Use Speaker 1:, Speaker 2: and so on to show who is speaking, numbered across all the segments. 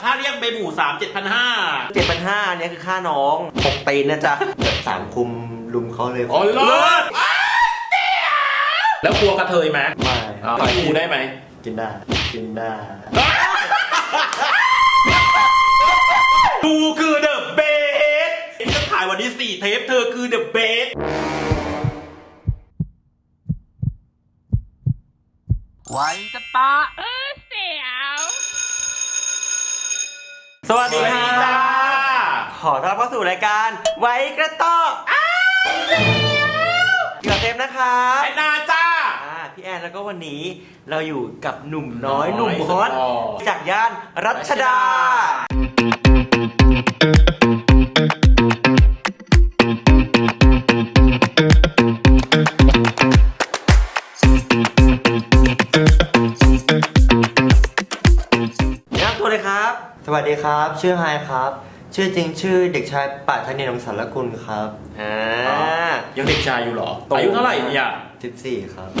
Speaker 1: ถ้าเรียกเบหมู3 7,500
Speaker 2: 7,500เนี่ยคือค่าน้อง6 ตีนนะจ๊ะ
Speaker 3: สามคุมลุมเขาเลย
Speaker 1: โอ้เลิศแล้วกลัวกระเทยไหม
Speaker 3: ไม่ครับ
Speaker 1: ต่อยกูได้ไหม
Speaker 3: กินได้กินได้
Speaker 1: กูคือเดอะเบสจะถ่ายวันที่4 เทปเธอคือเดอะเบสไว้จะปะ
Speaker 2: เสียว สวัสดีค่ะขอต้อนรับเข้าสู่รายการไว้กระต่อเกี่ยวกับเทปนะครับ
Speaker 1: แอนนาจ้า
Speaker 2: พี่แอนแล้วก็วันนี้เราอยู่กับหนุ่มน้อยหนุ่มฮอตจากย่านรัชดา
Speaker 3: สวัสดีครับชื่อไฮครับชื่อจริงชื่อเด็กชายปาธนิน สารกุลครับ
Speaker 1: ยังเด็กชายอยู่เหรออายุเท่าไหร่เนี่ย
Speaker 3: 14ครับ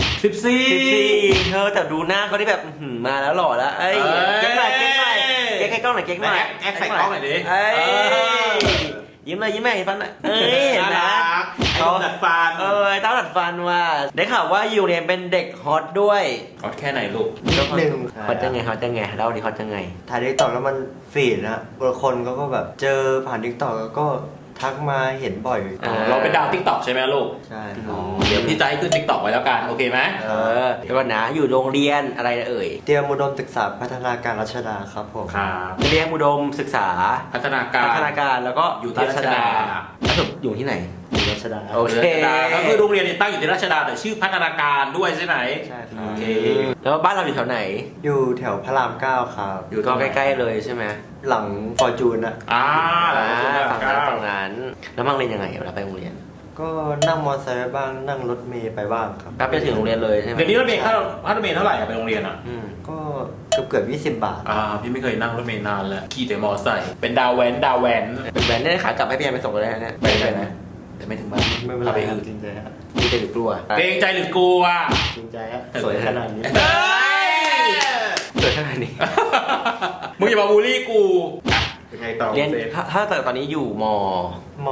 Speaker 2: 14เธอแต่ดูหน้าเขาที่แบบมาแล้วหล่อแล้วเอ้ยเก๊กหน่อยเก๊กหน่อยเก๊กให้กล้องหน่อยเก๊กหน่อย
Speaker 1: แอคใส่กล้องหน่อยดิ
Speaker 2: ยิ้มเลยยิ้มแม่ฟันหน่อยเห็นไหม
Speaker 1: เขาดัดฟัน
Speaker 2: เต้าดัดฟันว่าได้ข่าวว่าอยู่เนี่ยเป็นเด็กฮอตด้วย
Speaker 1: ฮอตแค่ไหนลูก
Speaker 3: นิดนึง
Speaker 2: ฮอตยังไงฮอตยังไงเล่าดิฮอตยังไง
Speaker 3: ถ่ายทิกตอกแล้วมันฟีดนะบางคนก็แบบเจอผ่านทิกตอกแล้วก็ทักมาเห็นบ่อย
Speaker 1: เราเป็นดาวทิกตอกใช่ไหมลูก
Speaker 3: ใช่
Speaker 1: เดี๋ยวพี่จะให้ขึ้นทิกตอกไว้แล้วกันโอเคไหม
Speaker 2: เดี๋ยวก่อนนะอยู่โรงเรียนอะไรเอ่ย
Speaker 3: เตรียมอุดมศึกษาพัฒนาการรัชดาครับผม
Speaker 1: ครับ
Speaker 2: เตรียมอุดมศึกษา
Speaker 1: พัฒนาการ
Speaker 2: แล้วก็
Speaker 1: อยู่ที่รัชดา
Speaker 2: แล้วอยู่ที่ไหน
Speaker 3: อยู่รัชดา
Speaker 2: โอเค
Speaker 1: ก็คือโรงเรียนตั้งอยู่ที่รัชดาแต่ชื่อพัฒนาการด้วยใช่ไหม
Speaker 3: ใช่ครับ
Speaker 1: โอเค
Speaker 2: แล้วบ้านเราอยู่แถวไหน
Speaker 3: อยู่แถวพระราม 9ครับ
Speaker 2: อยู่ก็ใกล้ๆเลยใช่ไหม
Speaker 3: หลังฟอร์จูนอะ
Speaker 2: ฝั่งนั้นแล้วมั่งเรียนยังไงเวลาไปโรงเรียน
Speaker 3: ก็นั่งมอเตอร์ไซค์บ้างนั่งรถเมล์ไปบ้างครับ
Speaker 2: ไปถึงโรงเรียนเลยใช่ไหม
Speaker 1: เดี๋ยวนี้รถเมล์ค่ารถเมล์เท่าไหร่ไปโรงเรียนอ่ะ
Speaker 3: ก็เกือบ20 บาท
Speaker 1: พี่ไม่เคยนั่งรถเมล์นานแล้วขี่แต่มอเตอร์ไซค์เป็นดาวแว้น
Speaker 2: เป็นแว้นได้ขากลับให้พี่แอนไปส่งเลยนะ
Speaker 1: ไปนะแต่ไม่ถึงบ้าน
Speaker 3: ไม่เป็นไรจริงใจฮะ
Speaker 2: จริงใจหรือกลัว
Speaker 1: เกรงใจหรือกลัว
Speaker 3: จริงใจฮะสวยขนาดนี้
Speaker 2: สวยขนาดนี้
Speaker 1: มึงอย่ามาบูลลี่กูยังไงต่อ
Speaker 2: เรียนถ้าแต่ตอนนี้อยู่ม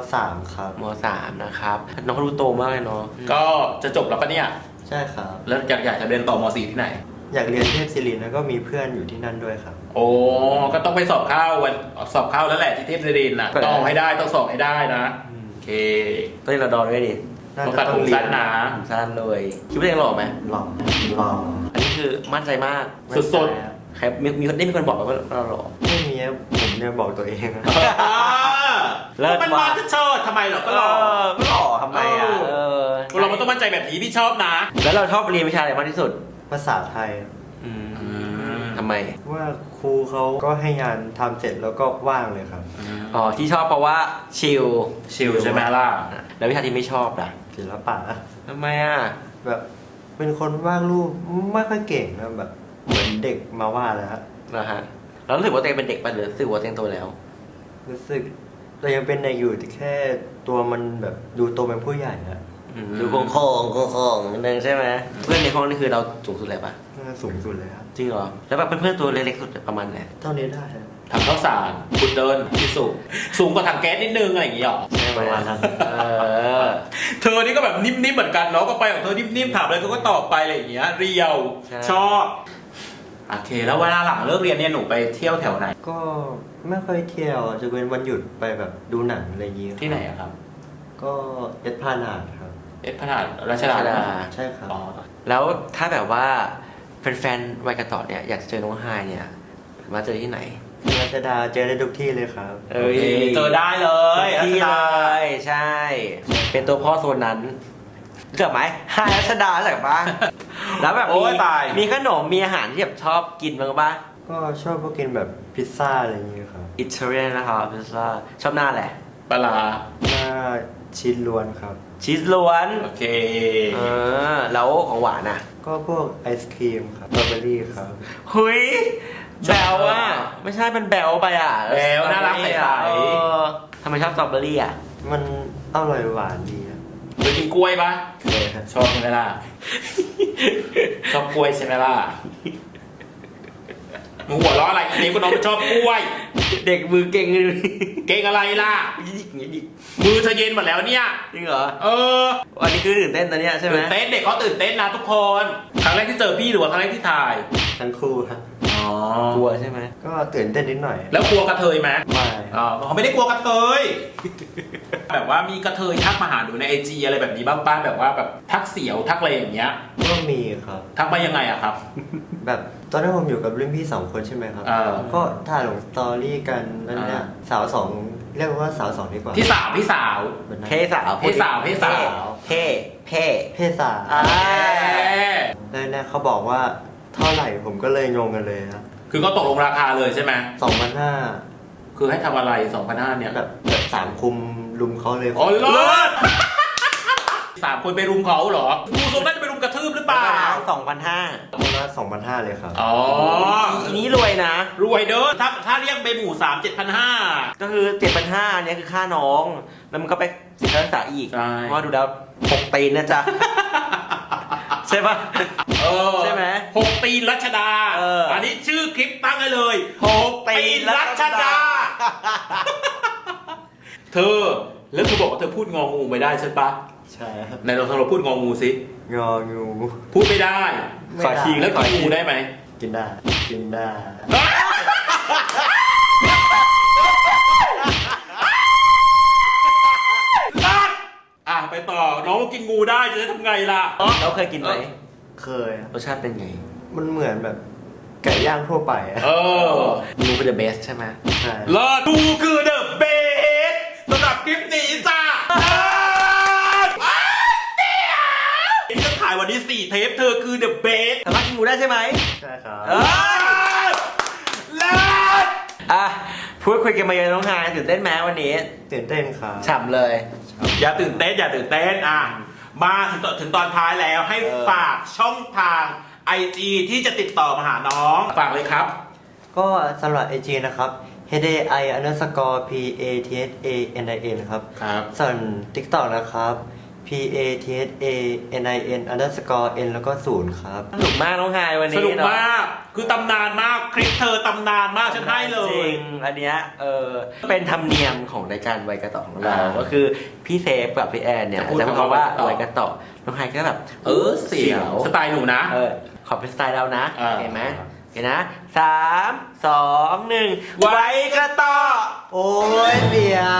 Speaker 3: .3 ครับ
Speaker 2: ม.3 นะครับน้องเขาดูโตมากเลยเนาะ
Speaker 1: ก็จะจบแล้วปะเนี่ย
Speaker 3: ใช่ครับ
Speaker 1: แล้วอยากจะเรียนต่อม.4 ที่ไหน
Speaker 3: อยากเรียนเทพศิรินทร์แล้วก็มีเพื่อนอยู่ที่นั่นด้วยครับ
Speaker 1: โอ้ก็ต้องไปสอบเข้าแล้วแหละที่เทพศิรินทร์น่ะต้องให้ได้ต้องสอบให้ได้นะโอเค
Speaker 2: ต้องเรียนรอดอด้วยดิ
Speaker 1: ต้องตัดผมสั้นนะ
Speaker 2: สั้นเลยคิดว่าเองหล่อไหม
Speaker 3: หล่อ
Speaker 2: อันนี้คือมั่นใจมาก
Speaker 1: สุด
Speaker 2: ใครมีคนบอกว่าเราหล่อ
Speaker 3: ไม่มีผมเนี่ยบอกตัวเองนะ
Speaker 1: แล้วมันมาจะเชิดทำไมหรอก็ห
Speaker 2: ล่อทำไม
Speaker 1: เราต้องมั่นใจแบบนี้พี่ชอบนะ
Speaker 2: แล้วเราชอบเรียนวิชาอะไรมากที่สุด
Speaker 3: ภาษาไทย
Speaker 2: ทำไม
Speaker 3: ว่าครูเขาก็ให้งานทำเสร็จแล้วก็ว่างเลยครับ
Speaker 2: ที่ชอบเพราะว่าชิล
Speaker 1: ใช่ไหมล่ะ
Speaker 2: แล้ววิชาที่ไม่ชอบล่ะ
Speaker 3: ศิลปะ
Speaker 2: ทำไม
Speaker 3: แบบเป็นคนวาดรูปไม่ค่อยเก่งนะแบบเหมือนเด็กมาว่าแล้ว
Speaker 2: นะฮะแล้วรู้สึกว่าตัวเองเป็นเด็กป่ะหรือรู้สึกว่าตัวเองโตแล้ว
Speaker 3: รู้สึกเรายังเป็นเด็กอยู่แต่แค่ตัวมันแบบดูโตเป็นผู้ใหญ่อะ
Speaker 2: ดูโค้งนิดนึงใช่ไหมเพื่อนในห้องนี่คือเราสูงสุดเลยป่ะ
Speaker 3: สูงสุดเลยครับ
Speaker 2: จริงเหรอแล้วแบบเพื่อนๆตัวเล็กๆสุดประมาณไหน
Speaker 3: เท่านี้ได้
Speaker 1: ถังข้าวสารคุณเดินที่สูงกว่าถังแก๊สนิดนึงอะไรอย่างเงี้ยหรอ
Speaker 3: ประมาณนั้น
Speaker 1: เธอนี่ก็แบบนิ่มๆเหมือนกันเนาะก็ไปของเธอนิ่มๆถามอะไรก็ตอบไปอะไรอย่างเงี้ยเรียวชอบโอเคแล้วเวลาหลังเลิกเรียนเนี่ยหนูไปเที่ยวแถวไหน
Speaker 3: ก็ไม่ค่อยเที่ยวจะเป็นวันหยุดไปแบบดูหนังอะไรอย่างเงี้ย
Speaker 1: ที่ไหนครับ
Speaker 3: ก็เอสพลานาดครับ
Speaker 1: เอสพลานาดรัชดา
Speaker 3: ใช่ครับ
Speaker 2: แล้วถ้าแบบว่าแฟนๆวัยกระต่อเนี่ยอยากจะเจอน้องไฮเนี่ยมาเจอที่ไหน
Speaker 3: รัชดาเจอได้ทุกที่เลยครับ
Speaker 1: เจอได้เลย
Speaker 2: ที่เลยใช่เป็นตัวพ่อโซนนั้นเกิดไหมไฮรัชดาใช่ปะแล้วแบบมีขนมมีอาหารที่แบบชอบกินบ้างปะ
Speaker 3: ก็ชอบพวกกินแบบพิซซ่าอะไรอย่างเงี้ยครับ
Speaker 2: อิตาเลียนนะครับพิซซ่าชอบหน้าแหละ
Speaker 1: ปลา
Speaker 3: หน้าชีสล้วนครับ
Speaker 2: ชีสล้วน
Speaker 1: โอเค
Speaker 2: แล้วของหวานอ่ะ
Speaker 3: ก็พวกไอศครีมครับสตรอเบอรี่ครับ
Speaker 2: เฮ้ยแบลอ่ะไม่ใช่เป็นแบลไปอ่ะ
Speaker 1: แบลน่ารักใส
Speaker 2: ๆทำไมชอบสตรอเบอรี่อ่ะ
Speaker 3: มันอร่อยหวานดี
Speaker 1: เคยกินกล้วยปะชอบใช่ไหมล่ะชอบกล้วยใช่ไหมล่ะมึงหัวเราะอะไรอันนี้ก็น้องชอบกล้วย
Speaker 2: เด็กมือเก่งเลย
Speaker 1: เก่งอะไรล่ะ
Speaker 2: ยิกอย่างนี้ดิ
Speaker 1: มือเธอเย็นหมดแล้วเนี่ย
Speaker 2: จริงเหรอ
Speaker 1: เออ
Speaker 2: อันนี้คือตื่นเต้นตอนเนี้ยใช่ไหม
Speaker 1: ตื่นเต้นเด็กเขาตื่นเต้นนะทุกคน ครั้งแรกที่เจอพี่หรือว่าครั้งแรกที่ถ่าย
Speaker 3: ทั้งคู่ครับ
Speaker 1: อ๋อก
Speaker 2: ลัวใช่ไหม
Speaker 3: ก็ตื่นเต้นนิดหน่อย
Speaker 1: แล้วกลัวกระเทยไหม
Speaker 3: ไม่
Speaker 1: อ๋อเขาไม่ได้กลัวกระเทย แบบว่ามีกระเทยทักมาหาหนูในไอจีอะไรแบบนี้บ้างป้าแบบว่าแบบทักเสียวทักอะไรอย่างเงี้ย
Speaker 3: ก็มีครับ
Speaker 1: ทักมายังไงอะครับ
Speaker 3: แบบตอนนั้นผมอยู่กับรุ่นพี่2 คนใช่ไหมครับ
Speaker 1: เออ
Speaker 3: ก็ถ่ายลงสตอรี่กันนั่นเนี่ยสาวสองเรียกว่าสาวสองดีกว่า
Speaker 1: พี่สาวพี่สาว
Speaker 3: แบบนั้น
Speaker 2: เพศสาว
Speaker 1: เพศสาวเพศสาว
Speaker 2: เพเพ
Speaker 3: เพศสาว
Speaker 2: อ่า
Speaker 3: แล้วเนี่ยเขาบอกว่าเท่าไหร่ผมก็เลยงงกันเลยครับ
Speaker 1: คือก็ตกลงราคาเลยใช่ไหม
Speaker 3: 2,500
Speaker 1: คือให้ทำอะไร2,500เนี่ย
Speaker 3: แบบ3 คุมลุมเขาเลย
Speaker 1: อ๋อเลิศ3 คนไปรุมเขาเหรอดูทรงน่าจะไปรุมกระทืบหรือเปล่า
Speaker 2: 2,500
Speaker 3: คนละ2,500เลยครับ
Speaker 1: อ๋อ
Speaker 2: อันนี้รวยนะ
Speaker 1: รวยเด้อถ้าเรียกเบหมู่3 7,500
Speaker 2: ก็คือ 7,500เนี่ยคือค่าน้อง แล้วมันก็ไปเสียค่ารักษาอีก
Speaker 1: ใช่
Speaker 2: เพราะว่าดูแล้ว6 ตีนนะจ๊ะ ใช่ปะ
Speaker 1: เออ
Speaker 2: ใช่ไหม
Speaker 1: 6 ตีนรัชดา
Speaker 2: เอออั
Speaker 1: นนี้ชื่อคลิปตั้งให้เลย
Speaker 2: 6
Speaker 1: ตีนรัชดา เธอ แล้วเธอบอกว่าเธอพูดงองูไม่ได้ใช่ปะ
Speaker 3: ใช่ครับ
Speaker 1: ไหนเราพูดงองูสิ
Speaker 3: งองู
Speaker 1: พูดไม่ได้
Speaker 3: ไม่
Speaker 2: ขอ
Speaker 3: ได้
Speaker 2: ที
Speaker 1: แล้วกินงูได้ไหม
Speaker 3: กินได้ กินได้
Speaker 1: อ่ะไปต่อน้องกินงูได้จะได้ทำไงล่ะ
Speaker 2: เราเคยกินไหม
Speaker 3: เคยครับ
Speaker 2: รสชาติเป็นไง
Speaker 3: มันเหมือนแบบไก่ย่างทั่วไปอะ
Speaker 1: เออ
Speaker 2: งูเป็น the best ใช่ไหม
Speaker 3: ใช่
Speaker 1: เลิศดูคือเดอะเบสสำหรับคลิปนี้จ้านี่จะถ่ายวันนี้4 เทปเธอคือเดอะเบส
Speaker 2: สามารถกินงูได้ใช่ไหม
Speaker 3: ใช่ครับ
Speaker 2: เออ
Speaker 1: เลิศ
Speaker 2: อ่ะพูดคุยกันมาเยอะน้องฮายตื่นเต้นไหมวันนี้
Speaker 3: ตื่นเต้นครับ
Speaker 2: ฉ่ำเลย
Speaker 1: อย่าตื่นเต้นอย่าตื่นเต้นอ่ะมาถึงตอนท้ายแล้วให้ฝากช่องทาง IG ที่จะติดต่อมาหาน้อง ฝากเลยครับ
Speaker 3: ก็สำหรับ IG นะครับ HAI_PATHANIN ครับ
Speaker 1: ครับ
Speaker 3: ส่วน TikTok นะครับ PATHANIN_N แล้วก็0ครับ
Speaker 2: สนุกมากน้องฮายวัน
Speaker 1: ส
Speaker 2: นี้
Speaker 1: นุก
Speaker 2: เนาะ
Speaker 1: มาก คือตำนานมาก คลิปเธอตำนานมากฉันให้เล
Speaker 2: จ
Speaker 1: ย
Speaker 2: ริงอันเนี้ยเป็นธรรมเนียมของรายการไวยกระต่อของเรา ก็คือพี่เซฟกับพี่แอนเนี่ย
Speaker 1: จะพูด
Speaker 2: จะพูดคำว่า
Speaker 1: คำว่า
Speaker 2: ไวยกระต่อน้องฮายก็แบบ
Speaker 1: เสียวสไตล์หนูนะ
Speaker 2: ขอเป็นสไตล์เรานะ
Speaker 1: อ่า
Speaker 2: เห็นไหมโอเคนะ3 2 1
Speaker 1: ไว้กระต่อ
Speaker 3: โอ้ยเดี๋ยว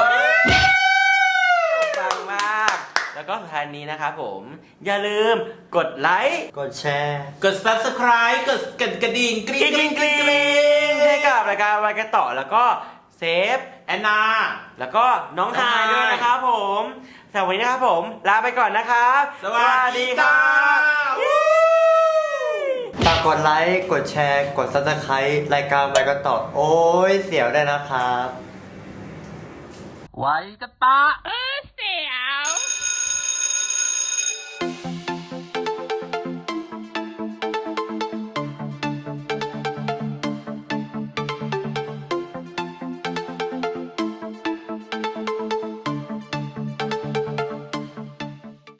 Speaker 2: ฟังมาก แล้วก็สุดท้ายนี้นะครับผม อย่าลืมกดไลค์
Speaker 3: กดแชร์
Speaker 1: กด subscribe กดกระดิ่งกริ๊งกริ๊งกริ๊งกริ๊ง
Speaker 2: ให้กับรายการไวยกระต่อแล้วก็เซฟ
Speaker 1: แอนนา
Speaker 2: แล้วก็น้องฮายด้วยนะครับผมสำหรับวันนี้นะครับผม ลาไปก่อนนะครับ
Speaker 1: สวัสดีค่ะ
Speaker 3: ฝากกดไลค์ กดแชร์ กด Subscribe รายการไปกันต่อ โอ้ยเสียวได้วยนะครับ
Speaker 1: ไว้กระต่อ